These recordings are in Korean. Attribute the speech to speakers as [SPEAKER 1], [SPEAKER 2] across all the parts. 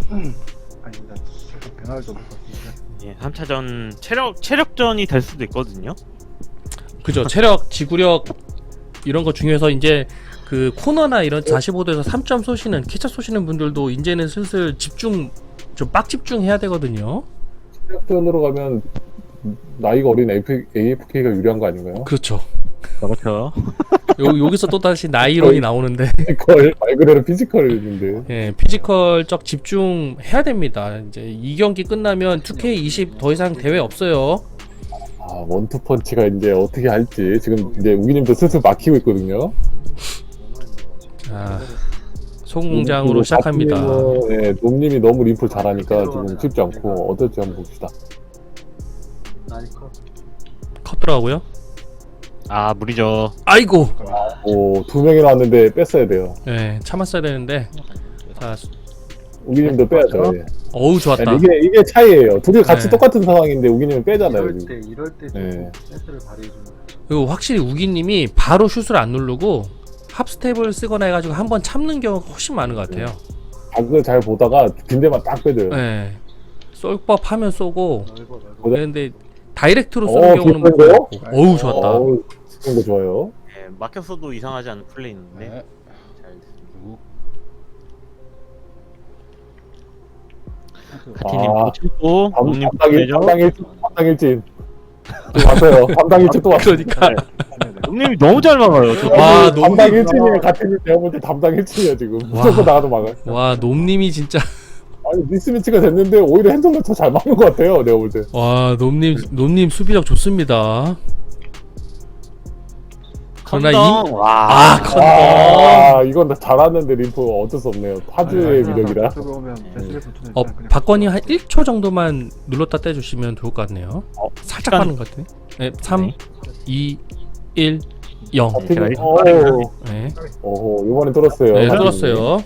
[SPEAKER 1] 아니 나 계속 변화를 좀 봤는데.
[SPEAKER 2] 예, 3차전 체력전이 될 수도 있거든요.
[SPEAKER 3] 그죠. 체력, 지구력 이런 거 중요해서 이제 그 코너나 이런 45도에서 3점 쏘시는 캐쳐 쏘시는 분들도 이제는 슬슬 집중 좀 빡 집중해야 되거든요.
[SPEAKER 4] 시작전으로 가면 나이가 어린 AFK가 유리한 거 아닌가요?
[SPEAKER 3] 그렇죠.
[SPEAKER 2] 그렇죠.
[SPEAKER 3] 여기서 또 다시 나이론이 나오는데
[SPEAKER 4] 피지컬 말 그대로 피지컬인데.
[SPEAKER 3] 예, 피지컬적 집중해야 됩니다. 이제 이 경기 끝나면 2K20 더 이상 대회 없어요.
[SPEAKER 4] 아 원투펀치가 이제 어떻게 할지 지금 이제 우기님도 슬슬 막히고 있거든요.
[SPEAKER 3] 자, 소공장으로 시작합니다.
[SPEAKER 4] 네, 놈님이 너무 림프 잘하니까 지금 쉽지 않고 어떨지 한번 봅시다.
[SPEAKER 1] 나이커.
[SPEAKER 3] 컸더라고요.
[SPEAKER 2] 아, 무리죠.
[SPEAKER 3] 아이고.
[SPEAKER 4] 오, 2명이 나왔는데 뺐어야 돼요.
[SPEAKER 3] 예, 참았어야 되는데. 자,
[SPEAKER 4] 우기님도 빼야죠. 예.
[SPEAKER 3] 어우 좋았다.
[SPEAKER 4] 이게 차이예요. 둘이 같이
[SPEAKER 3] 네.
[SPEAKER 4] 똑같은 상황인데 우기님은 빼잖아요.
[SPEAKER 1] 이럴
[SPEAKER 4] 지금.
[SPEAKER 1] 때 이럴 때
[SPEAKER 4] 네.
[SPEAKER 1] 좀 센스를 발휘해주는.
[SPEAKER 3] 그리고 확실히 우기님이 바로 슛을 안 누르고 합스텝을 쓰거나 해가지고 한번 참는 경우가 훨씬 많은 것 같아요.
[SPEAKER 4] 각을 잘 보다가 빈대만 딱 빼줘요.
[SPEAKER 3] 예. 쏠 법하면 쏘고.
[SPEAKER 1] 넓어 넓어.
[SPEAKER 3] 근데 다이렉트로 쏘는 경우는 못
[SPEAKER 4] 기쁜데요?
[SPEAKER 3] 보고. 어우 좋았다.
[SPEAKER 4] 어우, 그런 거 좋아요.
[SPEAKER 2] 예, 막혔어도 이상하지 않은 플레이인데.
[SPEAKER 5] 네.
[SPEAKER 2] 잘 됐습니다. 카티님
[SPEAKER 4] 아,
[SPEAKER 2] 못 참고 놈님
[SPEAKER 4] 담당 일진 또 왔어요. 담당 일진 또 왔어요.
[SPEAKER 3] 그러니까.
[SPEAKER 2] 놈님이 너무 잘 막아요. 저
[SPEAKER 3] 와,
[SPEAKER 4] 담당 일진이에요. 같은 내가 볼 때 담당 일진이에요 지금.
[SPEAKER 3] 와.
[SPEAKER 4] 무조건 나가도 막아요.
[SPEAKER 3] 와 놈님이 진짜.
[SPEAKER 4] 아니 미스매치가 됐는데 오히려 핸들러 더 잘 막는 것 같아요. 내가 볼 때.
[SPEAKER 3] 와 놈님 수비력 좋습니다. 그러나
[SPEAKER 2] 컨덩. 와.
[SPEAKER 3] 아 컨.
[SPEAKER 4] 아 이건 잘하는데 림프 어쩔 수 없네요. 타주의 미력이라.
[SPEAKER 1] 들어오면 베스레스 투는
[SPEAKER 3] 박건이 한 1초 정도만 눌렀다 떼주시면 좋을 것 같네요. 살짝
[SPEAKER 2] 시간-
[SPEAKER 3] 빠른 것 같네. 네, 3, 2, 1, 0.
[SPEAKER 2] 제가
[SPEAKER 3] 네,
[SPEAKER 4] 오 이번엔 뚫었어요.
[SPEAKER 3] 네 뚫었어요.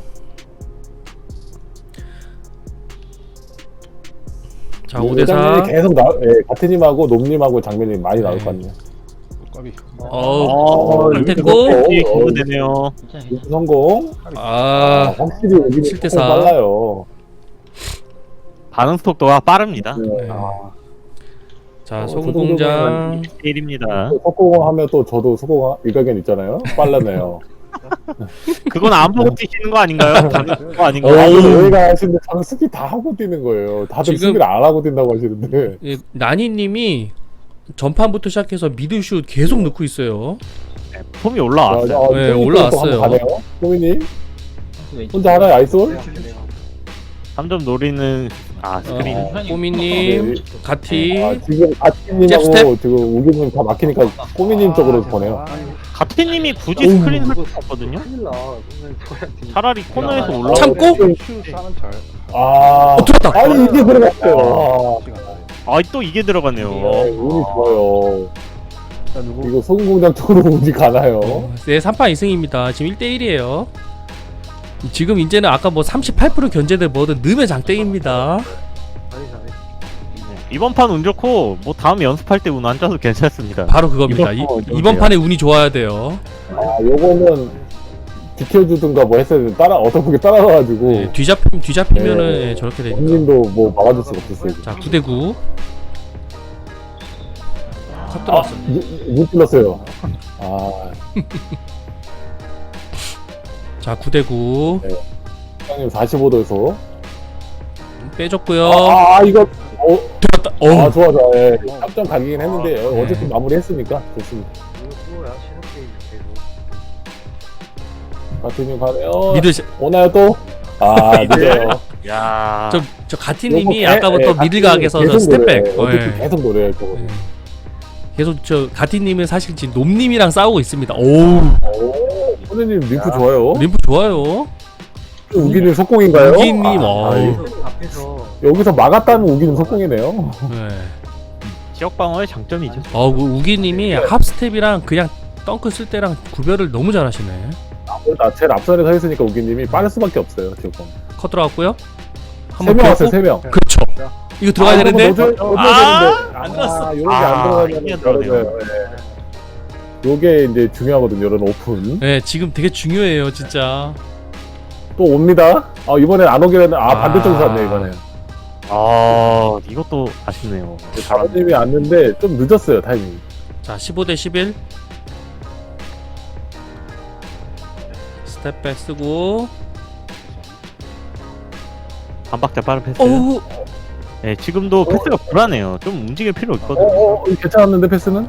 [SPEAKER 3] 자 5대 4.
[SPEAKER 4] 계속 같은 님하고 놈님하고 장면이 많이 나올 것 같네요.
[SPEAKER 5] 까비.
[SPEAKER 3] 안 됐고.
[SPEAKER 2] 기대되네요.
[SPEAKER 4] 성공.
[SPEAKER 3] 아
[SPEAKER 4] 확실히 여기
[SPEAKER 3] 7대 4.
[SPEAKER 4] 빨라요.
[SPEAKER 2] 반응 속도가 빠릅니다.
[SPEAKER 3] 네.
[SPEAKER 4] 아,
[SPEAKER 3] 자 소금공장.
[SPEAKER 2] 1입니다.
[SPEAKER 4] 속공하면 또 저도 속공 일가견 있잖아요. 빨라네요.
[SPEAKER 2] 그건 안 보고 뛰시는 거 아닌가요? 다른 거
[SPEAKER 3] 어.
[SPEAKER 2] 아닌가요?
[SPEAKER 4] 다들 여기가 하시는데 저는 스키 다 하고 뛰는 거예요. 다들
[SPEAKER 3] 지금-
[SPEAKER 4] 스키를 안 하고 뛴다고 하시는데.
[SPEAKER 3] 예, 나니님이 전판부터 시작해서 미드슛 계속 넣고 있어요.
[SPEAKER 2] 네, 폼이 올라왔어요.
[SPEAKER 3] 네, 올라왔어요.
[SPEAKER 4] 호민님 혼자 하나요 아이솔?
[SPEAKER 2] 3점 노리는 스크린.
[SPEAKER 3] 꼬미님, 가티.
[SPEAKER 4] 지금 아티님하고
[SPEAKER 3] 잽스텝?
[SPEAKER 4] 지금 우기님 다 막히니까 꼬미님 쪽으로 보내요.
[SPEAKER 2] 가티님이 굳이 스크린 설수 없거든요.
[SPEAKER 1] 큰일 나. 오늘 저한테
[SPEAKER 2] 차라리 코너에서 올라.
[SPEAKER 3] 참고?
[SPEAKER 5] 슛 싸는 잘.
[SPEAKER 3] 들었다.
[SPEAKER 4] 아니 이게 들어갔어요.
[SPEAKER 2] 또 이게 들어가네요.
[SPEAKER 4] 운이 좋아요.
[SPEAKER 1] 나 누구?
[SPEAKER 4] 이거 소금공장 쪽으로 운이 가나요?
[SPEAKER 3] 네, 3판 2승입니다. 지금 1대1이에요. 지금 이제는 아까 뭐 38% 견제들 뭐든 넣으면 장땡입니다.
[SPEAKER 1] 잘해 잘해.
[SPEAKER 2] 이번 판 운 좋고 뭐 다음 연습할 때 운 안 짜도 괜찮습니다.
[SPEAKER 3] 바로 그겁니다. 이번 판에 운이 좋아야 돼요.
[SPEAKER 4] 요거는 지켜주든가 뭐 했어야 돼. 어떻게 따라가가지고
[SPEAKER 3] 네, 뒤잡히면은
[SPEAKER 4] 네.
[SPEAKER 3] 예, 저렇게 되니까.
[SPEAKER 4] 형님도 뭐 막아줄 수가 없었어요.
[SPEAKER 3] 자, 9대9. 컷 들어왔어.
[SPEAKER 4] 눈 찔렀어요. 아,
[SPEAKER 3] 자, 9대9.
[SPEAKER 4] 형님 45도에서.
[SPEAKER 3] 빼줬고요.
[SPEAKER 4] 이거
[SPEAKER 3] 들었다.
[SPEAKER 4] 아 좋아. 예. 3점 가기긴 했는데
[SPEAKER 3] 네.
[SPEAKER 4] 어쨌든 마무리했으니까 좋습니다.
[SPEAKER 1] 이거 뭐야 실험 게임 계속.
[SPEAKER 4] 가티님 가네요.
[SPEAKER 3] 미드
[SPEAKER 4] 오나요 또? 늦어요.
[SPEAKER 2] 야.
[SPEAKER 3] 저 가티님이
[SPEAKER 4] 요거
[SPEAKER 3] 아까부터 미들각에서
[SPEAKER 4] 계속
[SPEAKER 3] 스텝백.
[SPEAKER 4] 노려요. 어쨌든
[SPEAKER 3] 예.
[SPEAKER 4] 계속 노래요. 저거.
[SPEAKER 3] 예. 계속 저 가티님은 사실 지금 놈님이랑 싸우고 있습니다. 오,
[SPEAKER 4] 오, 선생님 림프 좋아요.
[SPEAKER 3] 림프 좋아요.
[SPEAKER 4] 우기님 속공인가요?
[SPEAKER 3] 우기님,
[SPEAKER 1] 그래서 앞에서
[SPEAKER 4] 여기서 막았다는 우기님 속공이네요.
[SPEAKER 3] 네.
[SPEAKER 2] 지역 방어의 장점이죠.
[SPEAKER 3] 우기님이 합스텝이랑 그냥 덩크 쓸 때랑 구별을 너무 잘하시네.
[SPEAKER 4] 제일 앞선에 서 있으니까 우기님이 빠를 수밖에 없어요. 지금
[SPEAKER 3] 컷 들어갔고요.
[SPEAKER 4] 3명 왔어요. 3명.
[SPEAKER 3] 그렇죠. 이거 들어가야 되는데.
[SPEAKER 4] 넣어줘야
[SPEAKER 3] 안 들어갔어.
[SPEAKER 4] 요게 안
[SPEAKER 2] 이게
[SPEAKER 4] 들어가면
[SPEAKER 2] 들어가네요.
[SPEAKER 4] 요게 이제 중요하거든요. 이런 오픈.
[SPEAKER 3] 네, 지금 되게 중요해요, 진짜.
[SPEAKER 4] 또 옵니다. 이번엔 안 오긴 했는데 반대쪽에서 왔네 이번에.
[SPEAKER 2] 아 이것도 아쉽네요.
[SPEAKER 4] 다른님이 왔는데 좀 늦었어요 타이밍.
[SPEAKER 3] 자 15대 11 스텝백 쓰고
[SPEAKER 2] 한 박자 빠른 패스.
[SPEAKER 3] 어우
[SPEAKER 2] 네, 지금도 패스가 불안해요. 좀 움직일 필요 있거든요.
[SPEAKER 4] 괜찮았는데 패스는?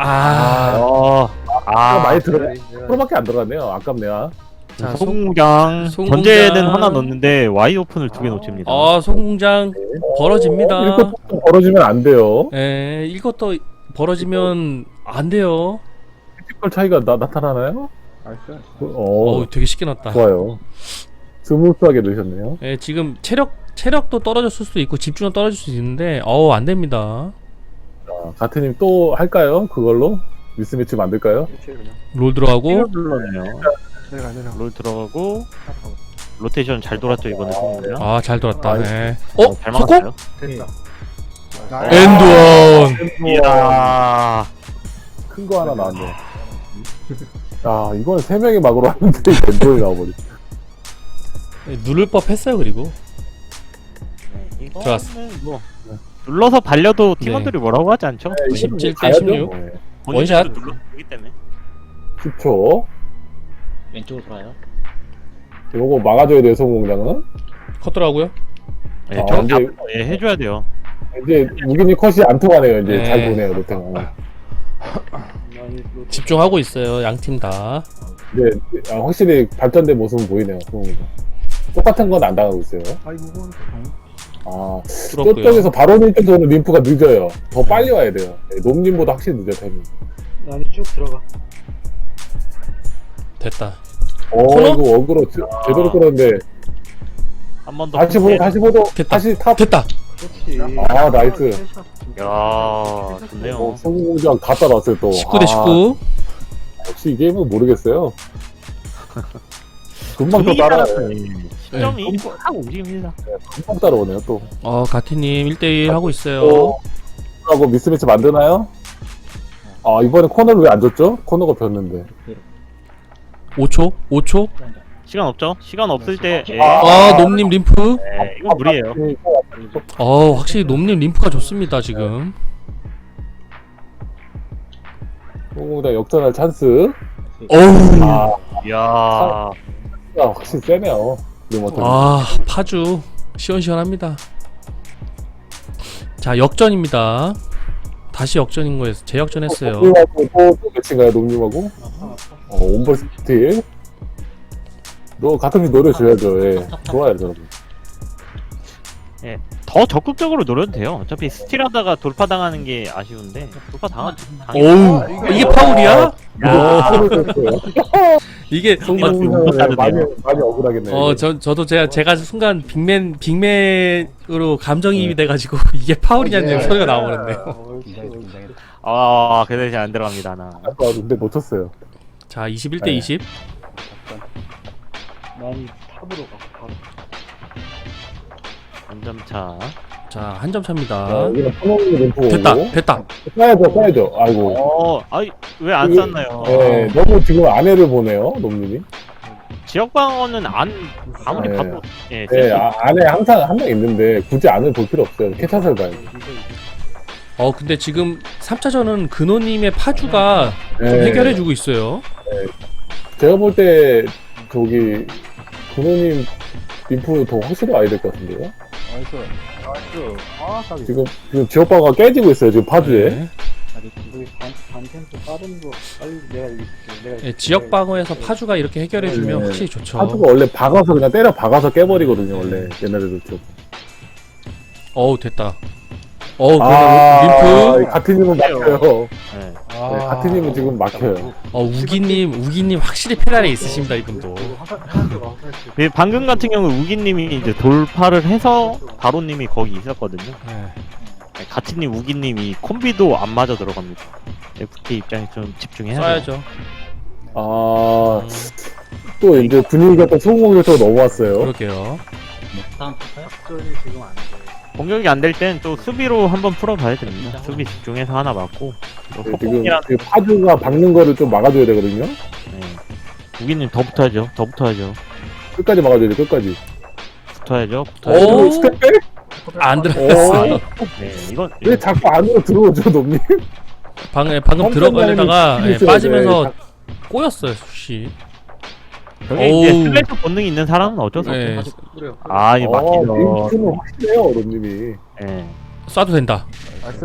[SPEAKER 4] 많이 들어. 프로밖에 안 들어갔네요. 아깝네요.
[SPEAKER 3] 자,
[SPEAKER 2] 소공장
[SPEAKER 3] 소공장.
[SPEAKER 2] 전제는 하나 넣었는데 와이드 오픈을 2개 놓칩니다.
[SPEAKER 3] 소공장 벌어집니다.
[SPEAKER 4] 이렇게 벌어지면 안 돼요.
[SPEAKER 3] 예, 이것도 벌어지면 안 돼요.
[SPEAKER 4] 피지컬 차이가 나타나나요?
[SPEAKER 5] 나이스.
[SPEAKER 3] 되게 쉽게 났다.
[SPEAKER 4] 좋아요. 스무스하게 넣으셨네요.
[SPEAKER 3] 예, 지금 체력도 떨어졌을 수도 있고 집중도 떨어질 수 있는데 안 됩니다.
[SPEAKER 4] 가트님 또 할까요? 그걸로? 미스매치 만들까요?
[SPEAKER 3] 롤 들어가고
[SPEAKER 2] 눌러네요.
[SPEAKER 5] 내려가.
[SPEAKER 2] 롤 들어가고 로테이션 잘 돌았죠 이번에 소공장.
[SPEAKER 3] 잘 돌았다.
[SPEAKER 4] 나이스.
[SPEAKER 3] 예.
[SPEAKER 2] 잘
[SPEAKER 3] 속공?
[SPEAKER 2] 막았어요.
[SPEAKER 1] 됐다.
[SPEAKER 3] 엔드원.
[SPEAKER 2] 이야.
[SPEAKER 4] 큰 거 하나 나왔네. 이건 3명이 막으로 하는데 벤돌이 나와버리.
[SPEAKER 3] 누를 법했어요. 그리고
[SPEAKER 2] 이거는 뭐 눌러서 발려도
[SPEAKER 3] 네.
[SPEAKER 2] 팀원들이 뭐라고 하지 않죠?
[SPEAKER 3] 17대 16. 원샷.
[SPEAKER 2] 눌러기 때문에.
[SPEAKER 4] 10초.
[SPEAKER 6] 왼쪽으로 돌아요.
[SPEAKER 4] 요거 막아줘야 돼요, 소공장은.
[SPEAKER 3] 컸더라고요.
[SPEAKER 2] 네, 저
[SPEAKER 4] 이제-
[SPEAKER 2] 앞으로 해줘야 돼요.
[SPEAKER 4] 이제 무기니 컷이 안 통하네요. 이제
[SPEAKER 3] 네.
[SPEAKER 4] 잘 보네요, 롯데가.
[SPEAKER 3] 집중하고 있어요. 양 팀 다.
[SPEAKER 4] 이제 확실히 발전된 모습은 보이네요, 소공장. 똑같은 건 안 당하고 있어요.
[SPEAKER 3] 부럽고요.
[SPEAKER 4] 저쪽에서 바로 밑에서는 림프가 늦어요. 더 빨리 와야 돼요. 놈님보다 확실히 늦어요, 타이밍.
[SPEAKER 1] 아니 쭉 들어가.
[SPEAKER 3] 됐다.
[SPEAKER 4] 이거 어그로 제대로 끌었는데.
[SPEAKER 2] 한 번 더.
[SPEAKER 4] 다시 보도,
[SPEAKER 3] 됐다.
[SPEAKER 4] 다시 탑.
[SPEAKER 3] 됐다.
[SPEAKER 1] 그렇지.
[SPEAKER 4] 나이스.
[SPEAKER 2] 야, 좋네요.
[SPEAKER 4] 소공장 갖다 놨어요, 또.
[SPEAKER 3] 19대 19.
[SPEAKER 4] 역시 이 게임은 모르겠어요. 금방 또 따라와요.
[SPEAKER 2] 시점이 하고 움직입니다.
[SPEAKER 4] 금방 따라오네요, 또.
[SPEAKER 3] 가티님 1대1 하고 있어요.
[SPEAKER 4] 하고 미스매치 만드나요? 이번에 코너를 왜 안 줬죠? 코너가 폈는데.
[SPEAKER 3] 5초? 5초?
[SPEAKER 2] 시간 없죠? 시간 없을 때. 예.
[SPEAKER 3] 놈님 림프.
[SPEAKER 2] 네, 이건 무리예요.
[SPEAKER 3] 확실히 놈님 림프가 좋습니다, 지금.
[SPEAKER 4] 소공장 역전할 찬스.
[SPEAKER 3] 어우.
[SPEAKER 2] 이야.
[SPEAKER 4] 확실히 세네요.
[SPEAKER 3] 파주. 시원시원합니다. 자, 역전입니다. 다시 역전인 거예요. 재역전했어요.
[SPEAKER 4] 놈님하고 또 매치인가요, 놈님하고? 온볼 스틸. 같은 게 노려줘야죠, 예. 좋아요, 여러분.
[SPEAKER 2] 더 적극적으로 노려도 돼요. 어차피 스틸하다가 돌파 당하는 게 아쉬운데 돌파
[SPEAKER 3] 어우. 이게 파울이야? 이게
[SPEAKER 4] 많이 억울하겠네요.
[SPEAKER 3] 저도 제가 순간 빅맨으로 감정이입이 돼가지고 이게 파울이냐는 소리가 나오는데요.
[SPEAKER 2] 그 대신 안 들어갑니다 나.
[SPEAKER 4] 근데 놓쳤어요.
[SPEAKER 3] 자, 21대 20.
[SPEAKER 1] 많이 탑으로 가. 바로.
[SPEAKER 2] 한 점 차.
[SPEAKER 3] 자, 한 점 차입니다.
[SPEAKER 4] 여기는 포노미 림프
[SPEAKER 3] 됐다.
[SPEAKER 4] 오고. 써야죠. 아이고.
[SPEAKER 2] 왜 안 쐈나요?
[SPEAKER 4] 너무 지금 안해를 보네요, 놈님이.
[SPEAKER 2] 지역 방어는 아무리
[SPEAKER 4] 네.
[SPEAKER 2] 봐도
[SPEAKER 4] 안에 항상 한 명 있는데 굳이 안을 볼 필요 없어요. 캐차설 봐요.
[SPEAKER 3] 근데 지금 3차전은 근호님의 파주가 좀 해결해주고 있어요.
[SPEAKER 4] 제가 볼 때 저기 근호님 림프 더 확실히 와야 될 것 같은데요.
[SPEAKER 5] 나이스.
[SPEAKER 4] 지금 지역방어가 깨지고 있어요. 지금 파주에.
[SPEAKER 3] 네.
[SPEAKER 1] 우리 반템포 빠른 거 빨리 내가 이길게.
[SPEAKER 3] 네, 지역 방어에서 파주가 이렇게 해결해주면
[SPEAKER 4] 네.
[SPEAKER 3] 확실히 좋죠.
[SPEAKER 4] 파주가 원래 박아서 그냥 때려 박아서 깨버리거든요. 원래 옛날에도 좀.
[SPEAKER 3] 됐다. 림프.
[SPEAKER 4] 가티님은 막혀요.
[SPEAKER 2] 네.
[SPEAKER 4] 가티님은 지금 막혀요.
[SPEAKER 3] 우기님 확실히 페달에 있으십니다, 이분도.
[SPEAKER 2] 방금 같은 경우 우기님이 이제 돌파를 해서 바로님이 거기 있었거든요.
[SPEAKER 3] 네.
[SPEAKER 2] 가티님 우기님이 콤비도 안 맞아 들어갑니다. FT 입장에 좀 집중해야 돼요.
[SPEAKER 3] 써야죠.
[SPEAKER 4] 또 이제 분위기가 또 소공격으로 넘어왔어요.
[SPEAKER 3] 그러게요.
[SPEAKER 6] 다음 볼까요?
[SPEAKER 1] 작전이 지금 안 돼.
[SPEAKER 2] 공격이 안 될 땐 또 수비로 한번 풀어봐야 됩니다. 수비 집중해서 하나 맞고 또
[SPEAKER 4] 지금
[SPEAKER 2] 폭풍이랑
[SPEAKER 4] 그 파주가 박는 거를 좀 막아줘야 되거든요.
[SPEAKER 2] 우기님 더 붙어야죠.
[SPEAKER 4] 끝까지 막아줘야 돼. 끝까지.
[SPEAKER 2] 붙어야죠.
[SPEAKER 3] 오!
[SPEAKER 4] 스텝백?
[SPEAKER 3] 안 들어갔어.
[SPEAKER 2] 네, 이건
[SPEAKER 4] 왜 자꾸 안으로 들어오죠, 놈님?
[SPEAKER 3] 방금 들어가려다가
[SPEAKER 4] 깜짝 놀라면
[SPEAKER 3] 빠지면서
[SPEAKER 4] 네,
[SPEAKER 3] 꼬였어요, 씨.
[SPEAKER 2] 저게 이제
[SPEAKER 3] 오우.
[SPEAKER 2] 슬래시 본능이 있는 사람은 어쩔 수 없죠.
[SPEAKER 3] 네,
[SPEAKER 1] 뿌려.
[SPEAKER 2] 아, 이거 막히죠.
[SPEAKER 4] 링크는 확실해요, 놈님이.
[SPEAKER 2] 예.
[SPEAKER 3] 쏴도 된다.
[SPEAKER 1] 나이스.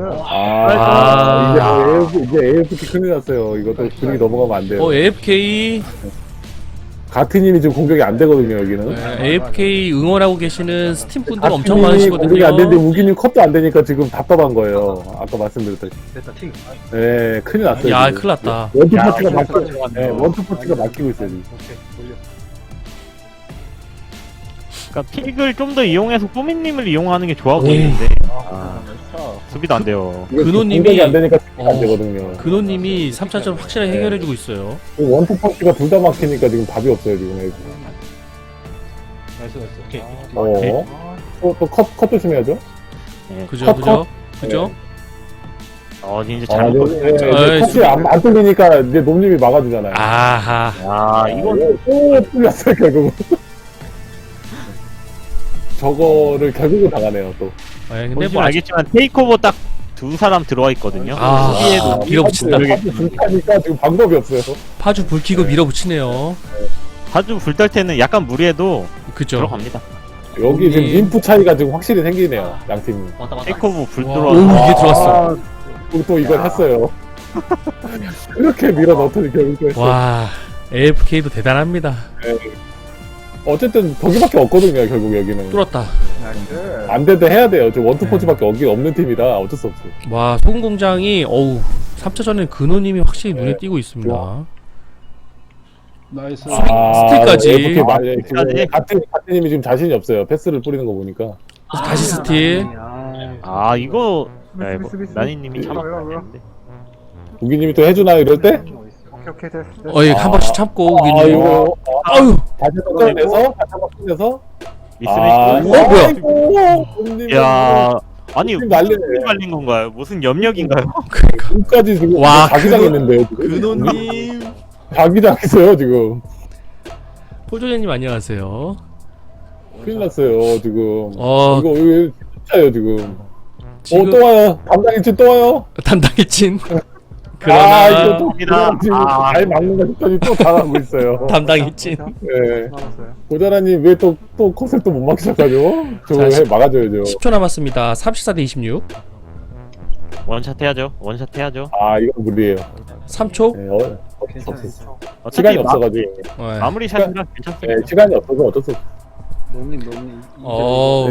[SPEAKER 4] 이제 AFK 큰일 났어요. 이것도 분위기 넘어가면 안 돼요.
[SPEAKER 3] AFK
[SPEAKER 4] 가트님이 지금 공격이 안 되거든요, 여기는.
[SPEAKER 3] AFK 응원하고 계시는 스팀 분들 엄청
[SPEAKER 4] 가트님이 공격이 안 되는데
[SPEAKER 3] 많으시거든요.
[SPEAKER 4] 우기님 컷도 안 되니까 지금 답답한 거예요. 아까 말씀드렸다시피.
[SPEAKER 1] 됐다 팅.
[SPEAKER 4] 네, 큰일 났어요.
[SPEAKER 3] 야,
[SPEAKER 4] 지금.
[SPEAKER 3] 큰일 났다.
[SPEAKER 4] 원투
[SPEAKER 2] 야,
[SPEAKER 4] 파티가
[SPEAKER 2] 이거
[SPEAKER 4] 막히고, 네, 원투 파티가 막히고 있어요, 지금.
[SPEAKER 1] 오케이 돌려.
[SPEAKER 2] 그러니까 픽을 좀 더 이용해서 꾸미님을 이용하는 게 좋아
[SPEAKER 3] 네.
[SPEAKER 2] 보이는데 수비도 안 돼요.
[SPEAKER 4] 이거
[SPEAKER 3] 근호님이-
[SPEAKER 4] 공격이 안 되니까 수비가 안
[SPEAKER 3] 어.
[SPEAKER 4] 되거든요.
[SPEAKER 3] 근호님이 3차전 확실하게 해결해주고 있어요.
[SPEAKER 4] 원투 파티가 둘 다 막히니까 지금 답이 없어요, 지금.
[SPEAKER 1] 나이스 나이스.
[SPEAKER 6] 오케이.
[SPEAKER 4] 또 컷 조심해야죠.
[SPEAKER 3] 그죠,
[SPEAKER 4] 컷,
[SPEAKER 3] 그죠, 그죠.
[SPEAKER 2] 이제
[SPEAKER 4] 아,
[SPEAKER 2] 잘못
[SPEAKER 4] 네,
[SPEAKER 2] 걸렸어요.
[SPEAKER 3] 에이,
[SPEAKER 4] 컷이 안 뚫리니까 이제 놈님이 막아주잖아요.
[SPEAKER 3] 아하.
[SPEAKER 2] 아, 이건
[SPEAKER 4] 또 뚫렸어요, 결국은. 저거를 결국은 당하네요, 또.
[SPEAKER 3] 근데
[SPEAKER 2] 보시면
[SPEAKER 3] 뭐 아직
[SPEAKER 2] 알겠지만 테이크오버 딱 두 사람 들어와 있거든요.
[SPEAKER 3] 아,
[SPEAKER 2] 수비에도
[SPEAKER 3] 밀어붙인다.
[SPEAKER 4] 불타니까 지금 방법이 없어요.
[SPEAKER 3] 파주 불 켜고 밀어붙이네요.
[SPEAKER 2] 아주 불떨 때는 약간 무리해도
[SPEAKER 3] 그죠.
[SPEAKER 2] 들어갑니다.
[SPEAKER 4] 여기 지금
[SPEAKER 3] 여기-
[SPEAKER 4] 림프 차이가 지금 확실히 생기네요, 양 팀이.
[SPEAKER 6] 왔다 왔다.
[SPEAKER 2] 테이크오버 불
[SPEAKER 3] 오,
[SPEAKER 2] 들어와.
[SPEAKER 3] 이게 들어왔어.
[SPEAKER 4] 또 이걸 했어요. 이렇게 밀어 넣더니 결국은 했어요.
[SPEAKER 3] 와, AFK도 대단합니다.
[SPEAKER 4] 어쨌든 거기밖에 없거든요, 결국 여기는.
[SPEAKER 3] 뚫었다.
[SPEAKER 1] 나이스.
[SPEAKER 4] 안 돼도 해야 돼요. 지금 원투포치밖에 없는 팀이라 어쩔 수 없어요.
[SPEAKER 3] 와, 소금공장이 3차전에 근호님이 확실히 눈에 띄고 있습니다.
[SPEAKER 5] 나이스.
[SPEAKER 3] 스틸까지.
[SPEAKER 4] 이렇게 말해.
[SPEAKER 2] 스틸까지.
[SPEAKER 4] 지금 가트님이 지금 자신이 없어요. 패스를 뿌리는 거 보니까.
[SPEAKER 3] 다시 스틸.
[SPEAKER 2] 아, 이거 네,
[SPEAKER 1] 스비스.
[SPEAKER 2] 나니님이 참
[SPEAKER 1] 올라, 올라.
[SPEAKER 2] 잘했는데.
[SPEAKER 4] 우기님이 또 해주나요, 이럴 때?
[SPEAKER 1] 오케이 됐어.
[SPEAKER 3] 한 번씩 참고
[SPEAKER 4] 아,
[SPEAKER 3] 우기님.
[SPEAKER 4] 이거
[SPEAKER 3] 아유,
[SPEAKER 4] 다시 한번 꺼내서 다시 한번 꺼내서.
[SPEAKER 2] 미스매치.
[SPEAKER 3] 뭐야?
[SPEAKER 4] 뭐야?
[SPEAKER 2] 야, 아니
[SPEAKER 4] 지금 난리네.
[SPEAKER 2] 무슨 말린 건가요? 무슨 염력인가요?
[SPEAKER 4] 끝까지 지금
[SPEAKER 3] 와,
[SPEAKER 4] 자기장했는데요. 지금.
[SPEAKER 3] 근호님.
[SPEAKER 4] 자기장했어요 지금.
[SPEAKER 3] 포조제님 안녕하세요.
[SPEAKER 4] 큰일 났어요 지금.
[SPEAKER 3] 어,
[SPEAKER 4] 이거 차요 지금.
[SPEAKER 3] 지금
[SPEAKER 4] 또 와요. 담당일진 또 와요.
[SPEAKER 3] 담당의 친.
[SPEAKER 4] 이거
[SPEAKER 3] 그러나
[SPEAKER 4] 또
[SPEAKER 2] 갑니다.
[SPEAKER 4] 지금
[SPEAKER 2] 아.
[SPEAKER 4] 잘 막는다 싶더니 또 당하고 있어요.
[SPEAKER 3] 담당의 친.
[SPEAKER 4] 네.
[SPEAKER 1] 나왔어요.
[SPEAKER 4] 고자라님 왜 또 컷을 또 못 막기 시작하죠? 저거
[SPEAKER 3] 자,
[SPEAKER 4] 막아줘야죠.
[SPEAKER 3] 10초 남았습니다. 34대 26.
[SPEAKER 2] 원샷 해야죠. 원샷 해야죠.
[SPEAKER 4] 아 이건 무리예요.
[SPEAKER 3] 3초.
[SPEAKER 4] 네, 어쩔 수
[SPEAKER 1] 괜찮아요.
[SPEAKER 4] 없어요.
[SPEAKER 2] 어차피
[SPEAKER 4] 시간이 없어가지고.
[SPEAKER 3] 네.
[SPEAKER 2] 마무리 샷이라 괜찮습니다.
[SPEAKER 4] 네, 시간이 없어서 어쩔 수 없어요.
[SPEAKER 1] 너님.
[SPEAKER 3] 어.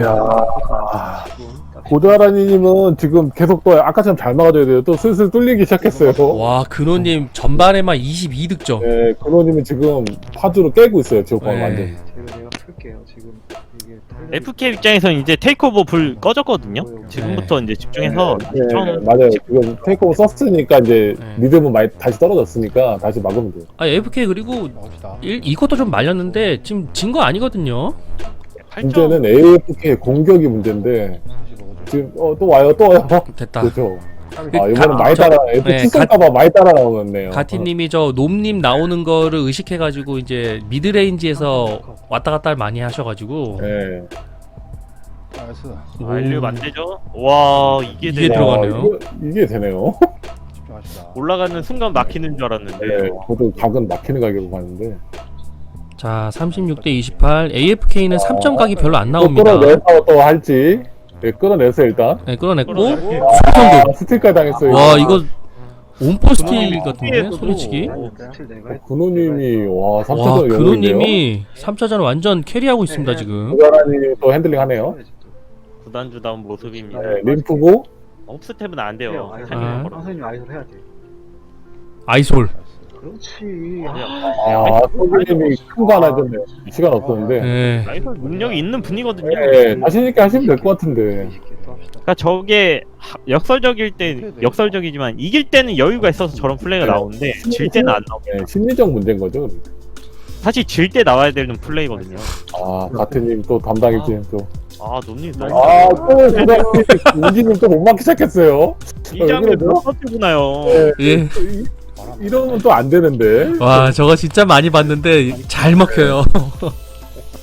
[SPEAKER 4] 고자라님은 지금 계속 또 아까처럼 잘 막아줘야 돼요. 또 슬슬 뚫리기 시작했어요.
[SPEAKER 3] 와, 근호님 전반에만 22득점.
[SPEAKER 4] 네, 근호님은 지금 파주로 깨고 있어요. 지금
[SPEAKER 3] 네.
[SPEAKER 4] 완전.
[SPEAKER 1] 내가 틀게요. 지금 이게
[SPEAKER 2] FK 입장에서는 이제 테이크오버 불 꺼졌거든요. 지금부터 이제 집중해서
[SPEAKER 4] 네,
[SPEAKER 2] 처음
[SPEAKER 4] 맞아요. 지금 테이크오버 썼으니까 이제
[SPEAKER 3] 네.
[SPEAKER 4] 리듬은 많이 다시 떨어졌으니까 다시 막으면 돼요.
[SPEAKER 3] AFK 그리고
[SPEAKER 5] 나옵시다.
[SPEAKER 3] 이것도 좀 말렸는데 지금 진 거 아니거든요.
[SPEAKER 2] 8점.
[SPEAKER 4] 문제는 AFK의 공격이 문제인데 지금 또 와요.
[SPEAKER 3] 됐다.
[SPEAKER 4] 그렇죠.
[SPEAKER 3] 그
[SPEAKER 4] 아 이번엔
[SPEAKER 3] 가-
[SPEAKER 4] 많이 따라 FK 쓸까봐 많이 따라 나오겠네요.
[SPEAKER 3] 가티님이 저 놈님 나오는 거를 의식해가지고 이제 미드레인지에서 왔다 갔다 많이 하셔가지고
[SPEAKER 4] 네.
[SPEAKER 5] 나이스.
[SPEAKER 2] 완료 만되죠. 와, 이게
[SPEAKER 3] 이게
[SPEAKER 2] 되네.
[SPEAKER 3] 들어가네요.
[SPEAKER 4] 이게 되네요.
[SPEAKER 5] 집중합시다.
[SPEAKER 2] 올라가는 순간 막히는 줄 알았는데.
[SPEAKER 4] 네, 저도 각은 막히는 가격으로 봤는데
[SPEAKER 3] 자 36대 28. AFK는 3점 각이 별로 안
[SPEAKER 4] 또
[SPEAKER 3] 나옵니다.
[SPEAKER 4] 끌어내서 또 할지. 네, 끌어냈어요 일단.
[SPEAKER 3] 네, 끌어냈고
[SPEAKER 2] 끌어냈고.
[SPEAKER 3] 수성도.
[SPEAKER 4] 스틸까지 당했어요.
[SPEAKER 3] 와 이거 온포 스틸
[SPEAKER 2] 근호님이
[SPEAKER 3] 같은데
[SPEAKER 2] 스틸에서도-
[SPEAKER 3] 소리치기.
[SPEAKER 1] 스틸 내가 했.
[SPEAKER 4] 근호님이 와
[SPEAKER 3] 와
[SPEAKER 4] 3차전 영웅인데요.
[SPEAKER 3] 근호님이 3차전 완전 캐리하고 있습니다 지금.
[SPEAKER 4] 고자라님이 또 핸들링하네요.
[SPEAKER 2] 부단주다운 모습입니다.
[SPEAKER 4] 네, 림프고
[SPEAKER 2] 업스텝은 안 돼요.
[SPEAKER 1] 아이솔.
[SPEAKER 2] 타이밍을
[SPEAKER 3] 아.
[SPEAKER 2] 걸어.
[SPEAKER 1] 선생님 아이솔 해야지.
[SPEAKER 3] 아이솔.
[SPEAKER 1] 그렇지.
[SPEAKER 4] 아 소주님이 큰 거 하나 줬네요. 시간 없었는데.
[SPEAKER 3] 네.
[SPEAKER 2] 아이솔 능력이 있는 분이거든요.
[SPEAKER 4] 네, 자신 있게 하시면 될 것 같은데.
[SPEAKER 2] 그러니까 저게 역설적일 때 역설적이지만 이길 때는 여유가 있어서 저런 플레이가 나오는데 질 때는 안 나와요.
[SPEAKER 4] 네, 심리적 문제인 거죠.
[SPEAKER 2] 사실 질 때 나와야 되는 플레이거든요.
[SPEAKER 4] 아 가트님 또 담당일진 또.
[SPEAKER 2] 아, 논님
[SPEAKER 4] 아또 우기님 또 못 막기 시작했어요.
[SPEAKER 2] 이 장면
[SPEAKER 4] 왜 그러죠?
[SPEAKER 2] 못 버티구나요.
[SPEAKER 4] 네,
[SPEAKER 3] 예.
[SPEAKER 4] 이러면 또 안 되는데.
[SPEAKER 3] 와 저거 진짜 많이 봤는데 잘 먹혀요.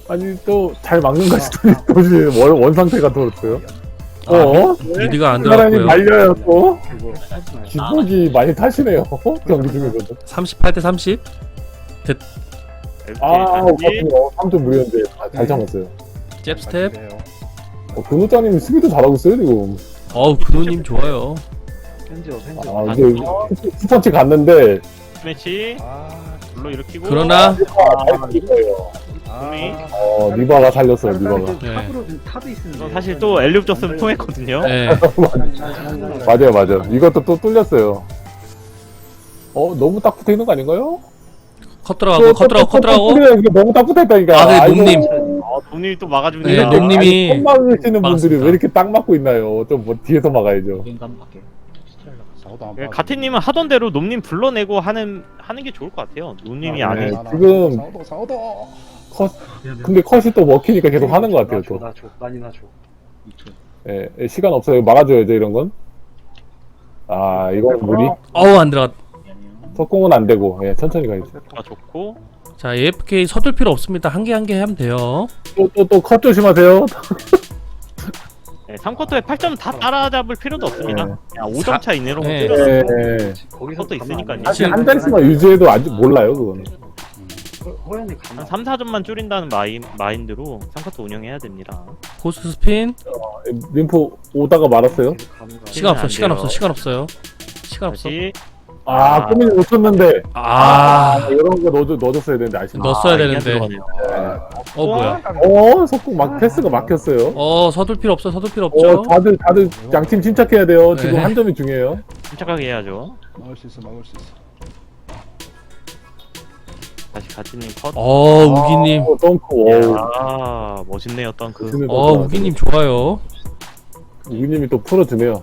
[SPEAKER 4] 아니 또 잘 막는 것이 도시 원 상태가 돌았어요.
[SPEAKER 3] 미드가 안
[SPEAKER 4] 사람이
[SPEAKER 3] 들어갔고요.
[SPEAKER 4] 말려요 또.
[SPEAKER 1] 그거 하지 마.
[SPEAKER 4] 기복이 많이 타시네요. 경기 중에서도.
[SPEAKER 3] 38대 30.
[SPEAKER 4] 아,
[SPEAKER 2] 다시.
[SPEAKER 4] 3점 무리였는데 잘 참았어요.
[SPEAKER 3] 잽 스텝.
[SPEAKER 4] 근호장님 수비도 잘하고 있어요 지금.
[SPEAKER 3] 근호님 좋아요.
[SPEAKER 1] 편지요.
[SPEAKER 4] 아 이제 스펀치 갔는데
[SPEAKER 2] 매치
[SPEAKER 5] 아,
[SPEAKER 2] 물로 일으키고.
[SPEAKER 3] 그러나
[SPEAKER 4] 잘 거예요.
[SPEAKER 5] 아,
[SPEAKER 4] 리바가 살렸어요 리바가.
[SPEAKER 3] 네.
[SPEAKER 1] 탑으로 탑이 있으면
[SPEAKER 2] 이건 사실 또 엘리웁 줬으면 통했거든요.
[SPEAKER 3] 네.
[SPEAKER 4] 맞아요. 이것도 또 뚫렸어요. 너무 딱 붙어 있는 거 아닌가요?
[SPEAKER 3] 컷 들어가고.
[SPEAKER 4] 이거 너무 딱 붙어 있다니까.
[SPEAKER 3] 네,
[SPEAKER 4] 아이고.
[SPEAKER 3] 놈님.
[SPEAKER 2] 돈이 또 막아줍니다.
[SPEAKER 3] 네, 놈님이
[SPEAKER 4] 아니, 막으시는 분들이
[SPEAKER 3] 막았습니다.
[SPEAKER 4] 왜 이렇게 딱 막고 있나요? 좀 뭐 뒤에서 막아야죠.
[SPEAKER 6] 인간 밖에 스트렐라.
[SPEAKER 5] 사고도 안
[SPEAKER 2] 예,
[SPEAKER 5] 봐.
[SPEAKER 2] 가태님은 하던 대로 놈님 불러내고 하는 게 좋을 것 같아요. 놈님이
[SPEAKER 4] 아,
[SPEAKER 2] 안 해.
[SPEAKER 4] 네. 지금-
[SPEAKER 5] 사고도.
[SPEAKER 4] 근데 컷이 또 먹히니까 계속 하는 것 같아요. 또.
[SPEAKER 1] 나줘 많이 나줘.
[SPEAKER 6] 2초.
[SPEAKER 4] 예, 시간 없어요. 막아줘야죠 이런 건. 아 이건 무리.
[SPEAKER 3] 안 들어갔.
[SPEAKER 6] 미안해요.
[SPEAKER 4] 석공은 안 되고 천천히 가야죠.
[SPEAKER 2] 좋고.
[SPEAKER 3] 자, AFK 서둘 필요 없습니다. 한 개 하면 돼요.
[SPEAKER 4] 또 컷 조심하세요.
[SPEAKER 2] 네, 3쿼터에 8점 다 따라잡을 필요도 없습니다.
[SPEAKER 4] 네.
[SPEAKER 2] 그냥 5점 차 이내로
[SPEAKER 3] 네.
[SPEAKER 2] 때려서
[SPEAKER 1] 거기서
[SPEAKER 2] 그것도 있으니까요.
[SPEAKER 4] 사실 한 장씩만 유지해도 아직 몰라요 그거는.
[SPEAKER 1] 호연이
[SPEAKER 2] 한
[SPEAKER 1] 가만.
[SPEAKER 2] 3, 4점만 줄인다는 마인드로 3쿼터 운영해야 됩니다.
[SPEAKER 3] 포스트 스핀.
[SPEAKER 4] 림프 오다가 말았어요.
[SPEAKER 3] 시간
[SPEAKER 2] 안
[SPEAKER 3] 없어요.
[SPEAKER 2] 돼요.
[SPEAKER 3] 시간 없어요.
[SPEAKER 2] 다시
[SPEAKER 4] 꼬민이 놓쳤는데.
[SPEAKER 3] 아,
[SPEAKER 4] 이런 거 넣어줬어야 되는데 아쉽네.
[SPEAKER 3] 넣었어야
[SPEAKER 2] 이게
[SPEAKER 3] 되는데.
[SPEAKER 2] 들어가네요.
[SPEAKER 3] 뭐야?
[SPEAKER 4] 석공 패스가 막혔어요.
[SPEAKER 3] 서둘 필요 없죠.
[SPEAKER 4] 다들 양팀 침착해야 돼요. 지금
[SPEAKER 3] 네.
[SPEAKER 4] 한 점이 중요해요.
[SPEAKER 2] 침착하게 해야죠.
[SPEAKER 5] 막을 수 있어.
[SPEAKER 2] 다시 가치님 컷.
[SPEAKER 3] 우기님.
[SPEAKER 4] 덩크.
[SPEAKER 2] 멋있네요, 덩크.
[SPEAKER 3] 우기님 좋아요.
[SPEAKER 4] 우기님이 또 풀어주네요.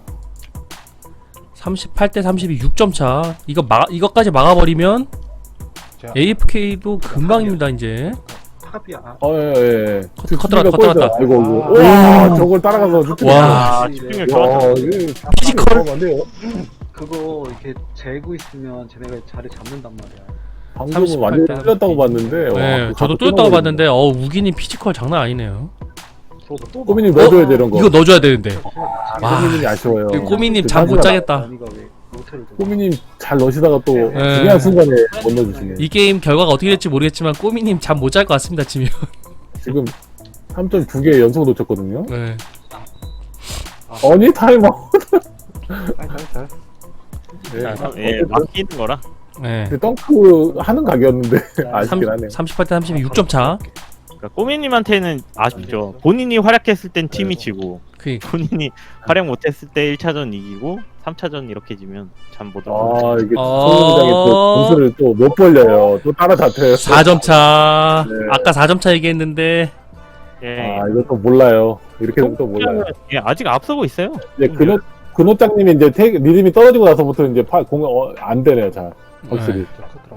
[SPEAKER 3] 38대 32 6점 차. 이거까지 막아버리면
[SPEAKER 5] 자,
[SPEAKER 3] AFK도 금방입니다 이제.
[SPEAKER 1] 탑이야.
[SPEAKER 4] 예.
[SPEAKER 3] 컷 들어갔다.
[SPEAKER 4] 아이고. 와, 저걸 따라가서 슈팅.
[SPEAKER 3] 와.
[SPEAKER 2] 집중력 좋았다.
[SPEAKER 3] 피지컬.
[SPEAKER 4] 안 돼요.
[SPEAKER 1] 그거 이렇게 재고 있으면 쟤네가 자리 잡는단 말이야.
[SPEAKER 4] 방금은
[SPEAKER 3] 38
[SPEAKER 4] 완전
[SPEAKER 3] 대
[SPEAKER 4] 뚫렸다고 봤는데.
[SPEAKER 3] 네, 저도 뚫었다고 봤는데 우기님 피지컬 장난 아니네요.
[SPEAKER 1] 저도
[SPEAKER 4] 꼬민이 넣어줘야 돼, 이런 거.
[SPEAKER 3] 이거 넣어줘야 되는데. 와.
[SPEAKER 4] 꼬민이 아쉬워요.
[SPEAKER 3] 꼬미님 잠 못 자겠다.
[SPEAKER 1] 아니가 왜 모텔을 둬?
[SPEAKER 4] 꼬민님 잘 넣으시다가 또
[SPEAKER 3] 네.
[SPEAKER 4] 중요한 순간에 못 넣어주시네.
[SPEAKER 3] 이 게임 결과가 어떻게 될지 모르겠지만 꼬미님 잠 못 잘 것 같습니다 지금.
[SPEAKER 4] 지금 3점 2개 연속 놓쳤거든요.
[SPEAKER 3] 네.
[SPEAKER 4] 아니 타이머.
[SPEAKER 1] 잘.
[SPEAKER 2] 예, 맡기는 거라.
[SPEAKER 3] 네.
[SPEAKER 4] 덩크 하는 각이었는데 아쉽긴 하네요.
[SPEAKER 3] 38대 32 6점 차.
[SPEAKER 2] 그러니까 꼬미님한테는 아쉽죠. 본인이 활약했을 땐 팀이 지고 본인이 활약 못했을 때 1차전 이기고 3차전 이렇게 지면 참 못
[SPEAKER 4] 아 이게 성공장이 또 점수를 또 못 벌려요. 또 따라잡혀요.
[SPEAKER 3] 4점 차.
[SPEAKER 4] 네.
[SPEAKER 3] 아까 4점 차 얘기했는데
[SPEAKER 2] 예.
[SPEAKER 4] 이것도 몰라요. 이렇게 되면 또 몰라요.
[SPEAKER 2] 예, 아직 앞서고 있어요.
[SPEAKER 4] 이제 근호장님이 이제 리듬이 떨어지고 나서부터 이제 안 되네요. 잘 확실히.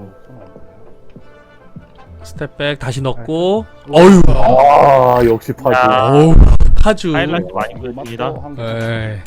[SPEAKER 3] 스텝백 다시 넣고. 어휴.
[SPEAKER 4] 역시 파주.
[SPEAKER 3] 어우. 파주.
[SPEAKER 2] 하이라이트 많이 보여줍니다.
[SPEAKER 3] 네.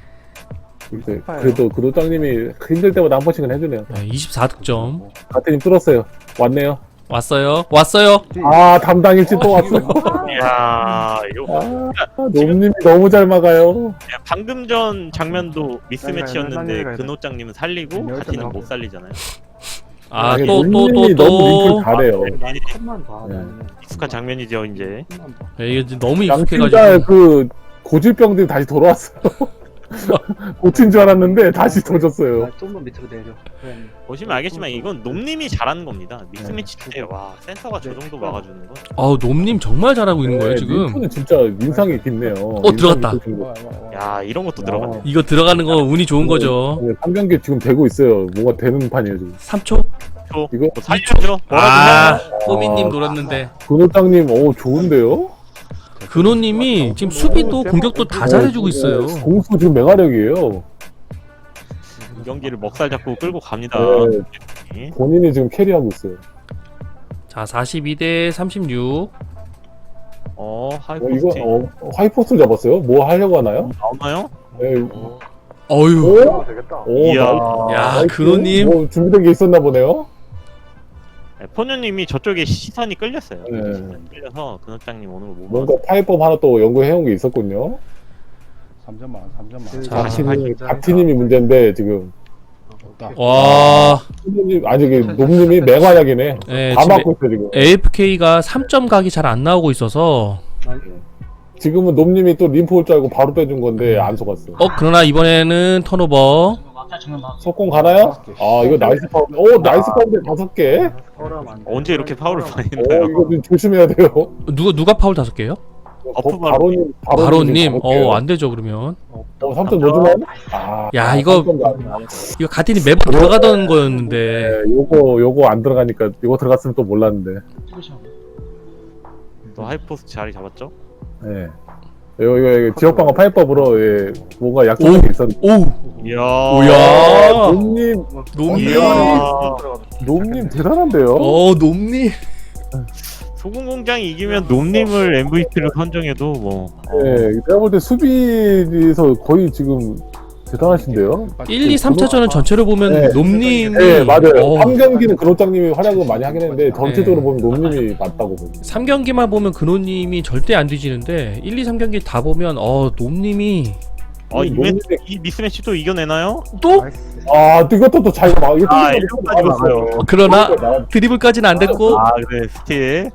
[SPEAKER 4] 그래도 근호장님이 힘들 때마다 한 번씩은 해주네요.
[SPEAKER 3] 24득점.
[SPEAKER 4] 가태님 뚫었어요. 왔네요.
[SPEAKER 3] 왔어요.
[SPEAKER 4] 담당일지 또 왔어.
[SPEAKER 2] 이야, 이거
[SPEAKER 4] 놈님이 너무 잘 막아요.
[SPEAKER 2] 방금 전 장면도 미스매치였는데 근호장님은 살리고 가티는 못 살리잖아요.
[SPEAKER 4] 놈님이 너무 링크를 잘해요.
[SPEAKER 1] 난 컷만 봐.
[SPEAKER 4] 네.
[SPEAKER 1] 나는.
[SPEAKER 2] 익숙한 장면이죠, 이제.
[SPEAKER 1] 컷만 봐.
[SPEAKER 3] 이게 이제 너무
[SPEAKER 4] 양팀다
[SPEAKER 3] 익숙해가지고.
[SPEAKER 4] 그 고질병들이 다시 돌아왔어요. 고친 줄 알았는데 다시 도졌어요.
[SPEAKER 1] 나 좀만 밑으로 내려. 호연이.
[SPEAKER 2] 보시면 알겠지만 이건 놈님이 잘하는 겁니다. 믹스매치 때 와 센터가 저 정도 막아주는 건.
[SPEAKER 3] 놈님 정말 잘하고 있는 거예요 지금.
[SPEAKER 4] 링크는 진짜 인상이 깊네요.
[SPEAKER 3] 들어갔다.
[SPEAKER 2] 야 이런 것도 들어가네.
[SPEAKER 3] 이거 들어가는 거 운이 좋은 거죠.
[SPEAKER 4] 3경기 지금 되고 있어요. 뭔가 되는 판이에요 지금.
[SPEAKER 3] 3초.
[SPEAKER 4] 이거
[SPEAKER 2] 뭐 살려줘.
[SPEAKER 3] 꼬미님 노렸는데.
[SPEAKER 4] 근호장님 좋은데요?
[SPEAKER 3] 근호님이 지금 수비도 공격도 다 잘해주고 있어요.
[SPEAKER 4] 공수 지금 맹활약이에요.
[SPEAKER 2] 이 경기를 먹살 잡고 끌고 갑니다.
[SPEAKER 4] 네. 본인이 지금 캐리하고 있어요.
[SPEAKER 3] 자 42대 36.
[SPEAKER 2] 하이포스트
[SPEAKER 4] 이거 하이포스트 잡았어요? 뭐 하려고 하나요?
[SPEAKER 2] 나오나요?
[SPEAKER 4] 네.
[SPEAKER 3] 어휴.
[SPEAKER 1] 되겠다.
[SPEAKER 4] 오,
[SPEAKER 2] 이야.
[SPEAKER 3] 야
[SPEAKER 4] 나이스.
[SPEAKER 3] 근호님.
[SPEAKER 4] 뭐 준비된 게 있었나 보네요.
[SPEAKER 2] 포뇨님이 저쪽에 시선이 끌렸어요.
[SPEAKER 4] 네.
[SPEAKER 2] 끌려서 근업장님 오는 거못
[SPEAKER 4] 뭔가 파이법 하나 또 연구해온 게 있었군요.
[SPEAKER 5] 3점만 3점만.
[SPEAKER 3] 자,
[SPEAKER 4] 박티님이 문제인데 지금
[SPEAKER 5] 없다.
[SPEAKER 3] 와,
[SPEAKER 4] 포뇨님 아니 저기 놈님이 맹활약이네.
[SPEAKER 3] 네,
[SPEAKER 4] 다
[SPEAKER 3] 지금
[SPEAKER 4] 맞고 있어 지금.
[SPEAKER 3] AFK가 3점 각이 잘 안 나오고 있어서
[SPEAKER 4] 지금은 놈님이 또 림프 올 줄 알고 바로 빼준 건데 안 속았어.
[SPEAKER 3] 그러나 이번에는 턴오버.
[SPEAKER 4] 석공 가나요? 아 이거 나이스 파운드. 오 나이스 파운드 5개.
[SPEAKER 2] 언제 이렇게 파울을 많이
[SPEAKER 4] 오
[SPEAKER 2] 나요?
[SPEAKER 4] 이거 좀 조심해야 돼요.
[SPEAKER 3] 누가 파울 5개요?
[SPEAKER 4] 바로님
[SPEAKER 3] 바로님. 안 되죠 그러면.
[SPEAKER 4] 3점 넣어주면? 아,
[SPEAKER 3] 야, 이거 가틴이 매번 들어가던 거였는데.
[SPEAKER 4] 네, 요거 안 들어가니까 이거 들어갔으면 또 몰랐는데.
[SPEAKER 2] 또 하이포스 자리 잡았죠?
[SPEAKER 4] 네. 이거 지역방어 파이법으로 예, 뭔가 약속이 있었는데.
[SPEAKER 3] 오,
[SPEAKER 2] 이야.
[SPEAKER 3] 오야.
[SPEAKER 4] 놈님,
[SPEAKER 3] 놈님.
[SPEAKER 4] 놈님 대단한데요?
[SPEAKER 3] 놈님.
[SPEAKER 2] 소금공장이 이기면 놈님을 MVP로 선정해도 뭐.
[SPEAKER 4] 네, 내가 볼 때 수비에서 거의 지금 대단하신데요?
[SPEAKER 3] 1, 2, 3차전은 전체로 보면
[SPEAKER 4] 네.
[SPEAKER 3] 놈님이.
[SPEAKER 4] 네, 맞아요. 3경기는 근호장님이 활약을 많이 하긴 했는데 전체적으로 보면 놈님이 맞다고 보면.
[SPEAKER 3] 3경기만 보면 근호님이 절대 안 뒤지는데 1, 2, 3경기 다 보면 놈님이
[SPEAKER 2] 이 미스매치 또 이겨내나요?
[SPEAKER 3] 또?
[SPEAKER 4] 아, 이것도 또 자기가 막 이거
[SPEAKER 2] 이것까지 봤어요.
[SPEAKER 3] 그러나 드리블까지는 안 됐고.
[SPEAKER 2] 그래 스틸.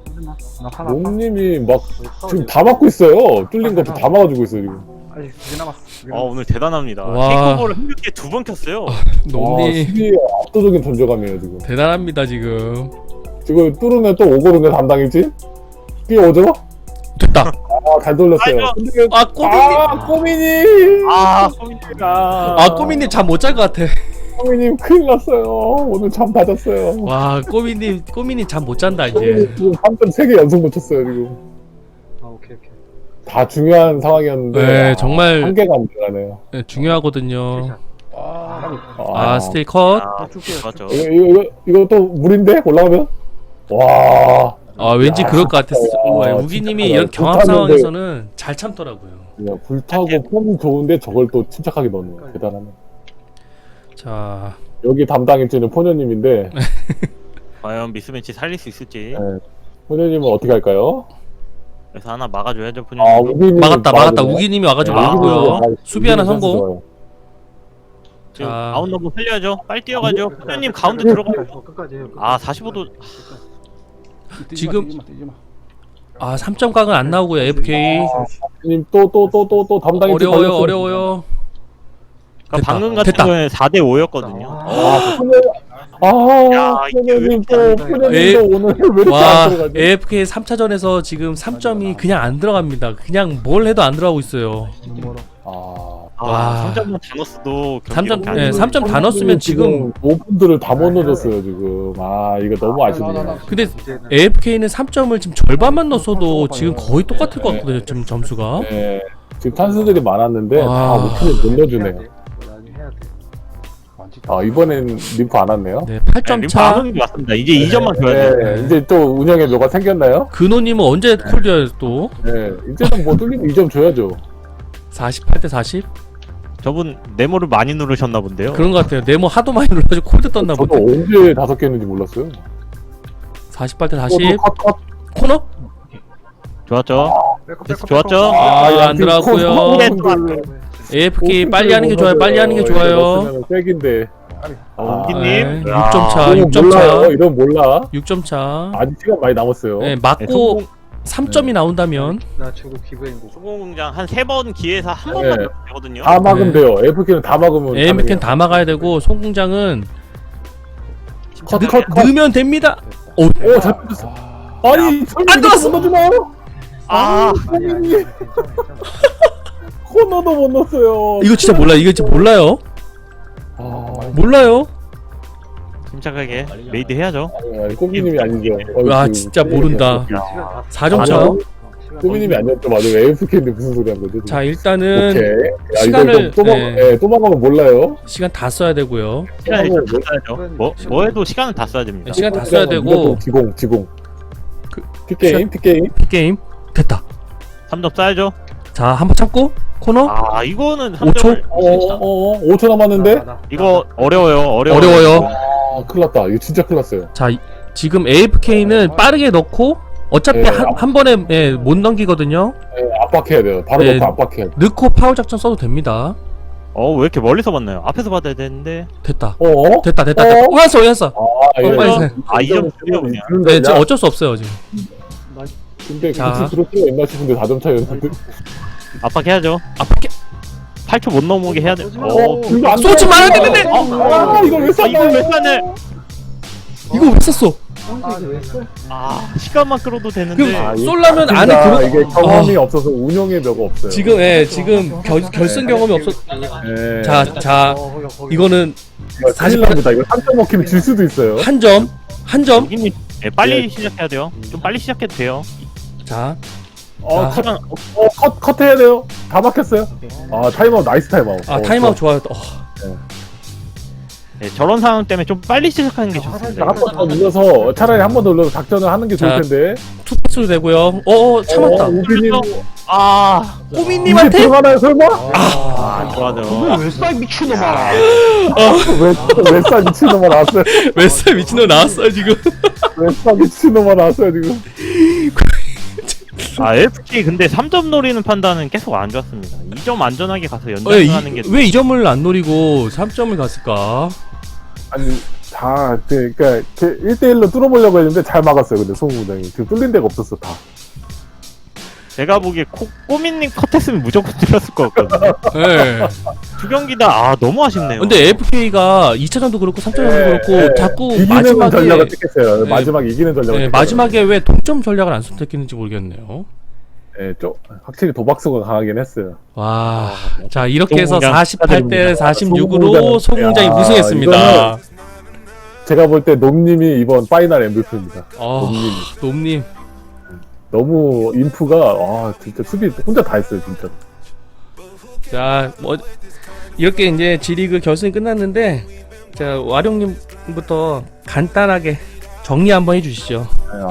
[SPEAKER 4] 놈님이 막 지금 다 막고 있어요. 뚫린 것도 다 막아주고 있어요 지금.
[SPEAKER 1] 아직 2개 남았어.
[SPEAKER 2] 오늘 대단합니다.
[SPEAKER 3] 와.
[SPEAKER 2] 테이크오버를 흥겹게 2번 켰어요.
[SPEAKER 3] 놈님
[SPEAKER 4] 수비에 압도적인 존재감이에요 지금.
[SPEAKER 3] 대단합니다 지금.
[SPEAKER 4] 지금 뚫으면 또 오거든요 담당이지? 뛰어오죠?
[SPEAKER 3] 됐다.
[SPEAKER 4] 잘 돌렸어요. 근데 꼬미님!
[SPEAKER 2] 꼬미님가.
[SPEAKER 3] 꼬미님 잠 못 잘 것 같아.
[SPEAKER 4] 꼬미님 큰일 났어요. 오늘 잠 다 잤어요.
[SPEAKER 3] 와, 꼬미님 잠 못 잔다 이제.
[SPEAKER 4] 지금 3점 3개 연속 놓쳤어요 지금.
[SPEAKER 1] 오케이.
[SPEAKER 4] 다 중요한 상황이었는데
[SPEAKER 3] 네, 정말
[SPEAKER 4] 한 개가 안 들어가네요.
[SPEAKER 3] 네, 중요하거든요. 스틸 컷.
[SPEAKER 2] 맞죠.
[SPEAKER 4] 이거 또 물인데 올라가면? 와.
[SPEAKER 3] 왠지 그럴 것 같았어. 우기님이 이런 경합 상황에서는 잘 참더라고요.
[SPEAKER 4] 그냥 불타고 폼이 좋은데 저걸 또 침착하게 넣는 대단하네.
[SPEAKER 3] 자,
[SPEAKER 4] 여기 담당일지는 포녀님인데
[SPEAKER 2] 과연 미스매치 살릴 수 있을지.
[SPEAKER 4] 네. 포녀님은 어떻게 할까요?
[SPEAKER 2] 그래서 하나 막아줘야죠 포뇨님.
[SPEAKER 4] 우기님
[SPEAKER 3] 막았다. 우기님이 와가지고 막았고요.
[SPEAKER 4] 우기님
[SPEAKER 3] 수비 하나 성공.
[SPEAKER 4] 좋아요.
[SPEAKER 2] 지금
[SPEAKER 3] 자.
[SPEAKER 2] 아웃 너브 살려야죠. 빨리 뛰어가죠. 포뇨님 가운데 들어가요.
[SPEAKER 1] 끝까지 해요.
[SPEAKER 2] 45도.
[SPEAKER 3] 지금-
[SPEAKER 5] 뛰지 마.
[SPEAKER 3] 3점 각은 안 나오고요. AFK
[SPEAKER 4] 님 또 담당일지
[SPEAKER 3] 어려워요. 됐다.
[SPEAKER 2] 방금 같은
[SPEAKER 3] 됐다.
[SPEAKER 2] 경우에 4대 5였거든요.
[SPEAKER 4] 포녀님 또
[SPEAKER 3] 에-
[SPEAKER 4] 오늘 왜 이렇게
[SPEAKER 3] 와,
[SPEAKER 4] 안 들어가지?
[SPEAKER 3] AFK 3차전에서 지금 3점이 그냥 안 들어갑니다. 그냥 뭘 해도 안 들어가고 있어요. 와.
[SPEAKER 2] 3점만 다 넣었어도
[SPEAKER 3] 3점,
[SPEAKER 2] 경기력이
[SPEAKER 3] 네,
[SPEAKER 2] 안
[SPEAKER 3] 3점 다 넣었으면 지금.
[SPEAKER 4] 오픈들을 다 못 넣어줬어요 지금. 이거 너무 아쉽네요.
[SPEAKER 3] 근데 AFK는 3점을 지금 절반만 넣었어도 지금 거의 똑같을 것 같거든요. 지금 점수가.
[SPEAKER 4] 네. 지금 찬스들이 많았는데 다
[SPEAKER 3] 와.
[SPEAKER 4] 오픈을 못 넣어주네요.
[SPEAKER 1] 나중에 해야 돼.
[SPEAKER 4] 이번엔 림프 안 왔네요.
[SPEAKER 3] 네, 8점 차.
[SPEAKER 2] 하는 게 맞습니다. 이제 2점만 줘야 돼요.
[SPEAKER 4] 네, 이제 또 운영에 뭐가 생겼나요?
[SPEAKER 3] 근호님은 언제 콜드여요 또?
[SPEAKER 4] 네, 이제는 뭐 뚫리면 2점 줘야죠.
[SPEAKER 3] 48대 40?
[SPEAKER 2] 저분 네모를 많이 누르셨나 본데요.
[SPEAKER 3] 그런 것 같아요. 네모 하도 많이 눌러가지고 콜드 떴나
[SPEAKER 4] 저도
[SPEAKER 3] 보네.
[SPEAKER 4] 언제 5개 했는지 몰랐어요.
[SPEAKER 3] 48대 40.
[SPEAKER 4] 컷.
[SPEAKER 3] 코너?
[SPEAKER 2] 좋았죠.
[SPEAKER 1] 백업.
[SPEAKER 2] 좋았죠.
[SPEAKER 3] 안 들어갔고요. AFK 빨리 하는 게 좋아요. 빨리 하는 게 좋아요.
[SPEAKER 4] 백인데.
[SPEAKER 2] 우기님.
[SPEAKER 3] 6점 차.
[SPEAKER 4] 이건
[SPEAKER 3] 6점
[SPEAKER 4] 몰라요.
[SPEAKER 3] 차.
[SPEAKER 4] 이런 몰라.
[SPEAKER 3] 6점 차.
[SPEAKER 4] 아직 시간 많이 남았어요.
[SPEAKER 3] 네, 맞고 3점이 나온다면
[SPEAKER 1] 나 최고 기부행고.
[SPEAKER 2] 소공공장 한 3번 기회에서 한
[SPEAKER 4] 네.
[SPEAKER 2] 번만 넣으면 되거든요.
[SPEAKER 4] 다 막으면
[SPEAKER 3] 네.
[SPEAKER 4] 돼요. AFK는 다 막으면.
[SPEAKER 3] AMK는 다 막아야 되고 송공장은
[SPEAKER 4] 컷.
[SPEAKER 3] 넣으면 됩니다. 오,
[SPEAKER 4] 오, 잘 뚫렸어. 아니,
[SPEAKER 3] 안 들어갔어.
[SPEAKER 4] 못 넣어주나요?
[SPEAKER 1] 괜찮아.
[SPEAKER 4] 코너도 못 넣었어요.
[SPEAKER 3] 이거 진짜 몰라. 이거 진짜 몰라요. 몰라요.
[SPEAKER 2] 침착하게 레이드 해야죠.
[SPEAKER 4] 아니, 꼬미님이 아니죠.
[SPEAKER 3] 와, 진짜 모른다.
[SPEAKER 1] 시간 다
[SPEAKER 3] 4점 차.
[SPEAKER 4] 꼬미님이 아니었죠. 맞아요. AFK인데 무슨 소리 한 거죠?
[SPEAKER 3] 자, 일단은
[SPEAKER 4] 오케이. 야,
[SPEAKER 3] 시간을-
[SPEAKER 4] 이거 또 막으면 몰라요.
[SPEAKER 3] 시간 다 써야 되고요.
[SPEAKER 2] 시간 일단 다 써야죠. 뭐 해도 시간은 다 써야 됩니다.
[SPEAKER 3] 시간 다 써야 되고
[SPEAKER 4] 지공.
[SPEAKER 3] 그-
[SPEAKER 4] 픽게임.
[SPEAKER 3] 게임 됐다.
[SPEAKER 2] 3점 써야죠.
[SPEAKER 3] 자, 한번 참고 코너.
[SPEAKER 2] 이거는
[SPEAKER 3] 5초?
[SPEAKER 2] 3점을
[SPEAKER 4] 5초 남았는데?
[SPEAKER 2] 이거 어려워요.
[SPEAKER 3] 어려워요.
[SPEAKER 4] 큰일 났다. 이거 진짜 큰일 났어요.
[SPEAKER 3] 자, 지금 AFK는 빠르게 넣고 어차피
[SPEAKER 4] 네.
[SPEAKER 3] 한 번에 예, 못 넘기거든요.
[SPEAKER 4] 네, 압박해야 돼요. 바로
[SPEAKER 3] 네.
[SPEAKER 4] 넣고 압박해야 돼.
[SPEAKER 3] 넣고 파워 작전 써도 됩니다.
[SPEAKER 2] 왜 이렇게 멀리서 봤나요? 앞에서 받아야 되는데.
[SPEAKER 3] 됐다.
[SPEAKER 4] 어?
[SPEAKER 3] 됐다.
[SPEAKER 4] 어?
[SPEAKER 3] 오였어.
[SPEAKER 4] 아, 예.
[SPEAKER 3] 빨리 세.
[SPEAKER 2] 아, 2점 줄여 그냥.
[SPEAKER 3] 네, 지금 어쩔 수 없어요 지금.
[SPEAKER 4] 근데
[SPEAKER 3] 자.
[SPEAKER 4] 굳이 그럴 필요가 있나 싶은데 4점 차이였는데.
[SPEAKER 2] 압박해야죠.
[SPEAKER 3] 압박해.
[SPEAKER 2] 8초 못 넘어오게 해야 돼.
[SPEAKER 4] 이거 안
[SPEAKER 3] 쏘지
[SPEAKER 4] 돼.
[SPEAKER 3] 말아야 되는데.
[SPEAKER 4] 이걸 왜 쐈어?
[SPEAKER 2] 이걸 왜 쐈네?
[SPEAKER 3] 이거 왜 쐈어?
[SPEAKER 2] 시간만 끌어도 되는데.
[SPEAKER 3] 그럼 쏠라면 안에 들어.
[SPEAKER 4] 이게 경험이 없어서 운영의 벽가 없어요.
[SPEAKER 3] 지금 결승 경험이 없어.
[SPEAKER 4] 예.
[SPEAKER 3] 자 이거는
[SPEAKER 4] 이거 큰일 납니다. 이거 3점 먹히면 질 수도 있어요.
[SPEAKER 3] 한 점.
[SPEAKER 2] 여기님 빨리 시작해야 돼요. 좀 빨리 시작해도 돼요.
[SPEAKER 3] 자,
[SPEAKER 2] 시간
[SPEAKER 4] 컷 해야 돼요. 다 막혔어요. 아, 타임아웃, 나이스 타임아웃.
[SPEAKER 3] 타임아웃 좋아요.
[SPEAKER 2] 저런 상황 때문에 좀 빨리 시작하는 게 좋습니다.
[SPEAKER 4] 한 번 더 눌러서 차라리 한 번 더 눌러서 작전을 하는 게 좋을
[SPEAKER 3] 자,
[SPEAKER 4] 텐데.
[SPEAKER 3] 투패스도 되고요. 참았다.
[SPEAKER 4] 우빈님 이게
[SPEAKER 3] 꼬미님한테
[SPEAKER 4] 들어가나요 설마?
[SPEAKER 2] 좋아요.
[SPEAKER 1] 왜싸 미친놈아.
[SPEAKER 4] 왜싸 미친놈아 나왔어요.
[SPEAKER 3] 웨스 미친놈 나왔어요 지금.
[SPEAKER 4] 왜싸 미친놈아 나왔어요 지금.
[SPEAKER 2] FK 근데 3점 노리는 판단은 계속 안 좋았습니다. 2점 안전하게 가서 연장하는 게.
[SPEAKER 3] 왜 2점을 안 노리고 3점을 갔을까?
[SPEAKER 4] 아니 다 그러니까 1대1로 뚫어보려고 했는데 잘 막았어요. 근데 송구장이 지금 뚫린 데가 없었어 다.
[SPEAKER 2] 제가 보기에 꼬민님 컷했으면 무조건 들었을 것 같거든요.
[SPEAKER 3] 네.
[SPEAKER 2] 두 경기 다 너무 아쉽네요.
[SPEAKER 3] 근데 AFK가 2차전도 그렇고 3차전도 그렇고
[SPEAKER 4] 예,
[SPEAKER 3] 자꾸
[SPEAKER 4] 이기는
[SPEAKER 3] 마지막에
[SPEAKER 4] 전략을 택했어요.
[SPEAKER 3] 네.
[SPEAKER 4] 마지막에 이기는 전략을 택했어요.
[SPEAKER 3] 마지막에 왜 동점 전략을 안 선택했는지 모르겠네요.
[SPEAKER 4] 네, 좀 확실히 도박수가 강하긴 했어요.
[SPEAKER 3] 와, 자 이렇게 해서
[SPEAKER 2] 소공장
[SPEAKER 3] 48대 46으로
[SPEAKER 4] 소공장.
[SPEAKER 3] 소공장이
[SPEAKER 4] 야,
[SPEAKER 3] 우승했습니다.
[SPEAKER 4] 제가 볼 때 놈님이 이번 파이널 MVP입니다. 놈님이.
[SPEAKER 3] 놈님.
[SPEAKER 4] 너무 인프가 진짜 수비 혼자 다 했어요 진짜.
[SPEAKER 3] 자, 이렇게 이제 G리그 결승이 끝났는데, 자 와룡님부터 간단하게 정리 한번 해주시죠.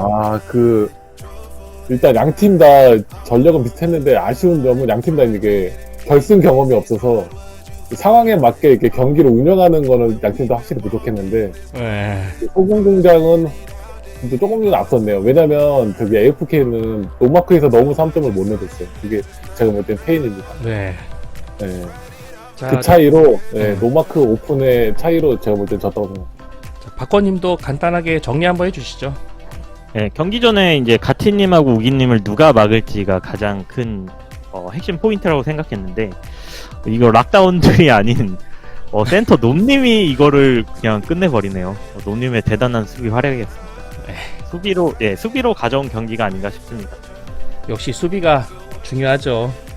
[SPEAKER 4] 일단 양팀 다 전력은 비슷했는데 아쉬운 점은 양팀 다 이게 결승 경험이 없어서 상황에 맞게 이렇게 경기를 운영하는 거는 양팀 다 확실히 부족했는데
[SPEAKER 3] 네.
[SPEAKER 4] 소공공장은 근데 조금 전 앞섰네요. 왜냐면 저기 AFK는 노마크에서 너무 3점을 못 내줬어요. 그게 제가 볼 땐 페인입니다.
[SPEAKER 3] 네.
[SPEAKER 4] 네.
[SPEAKER 3] 자,
[SPEAKER 4] 그 차이로 노마크 오픈의 차이로 제가 볼 땐 졌다고 생각합니다.
[SPEAKER 3] 박건님도 간단하게 정리 한번 해주시죠.
[SPEAKER 2] 네, 경기 전에 이제 가티님하고 우기님을 누가 막을지가 가장 큰 핵심 포인트라고 생각했는데 이거 락다운들이 아닌 센터 놈님이 이거를 그냥 끝내버리네요. 놈님의 대단한 수비 활약이었습니다. 수비로 가져온 경기가 아닌가 싶습니다.
[SPEAKER 3] 역시 수비가 중요하죠.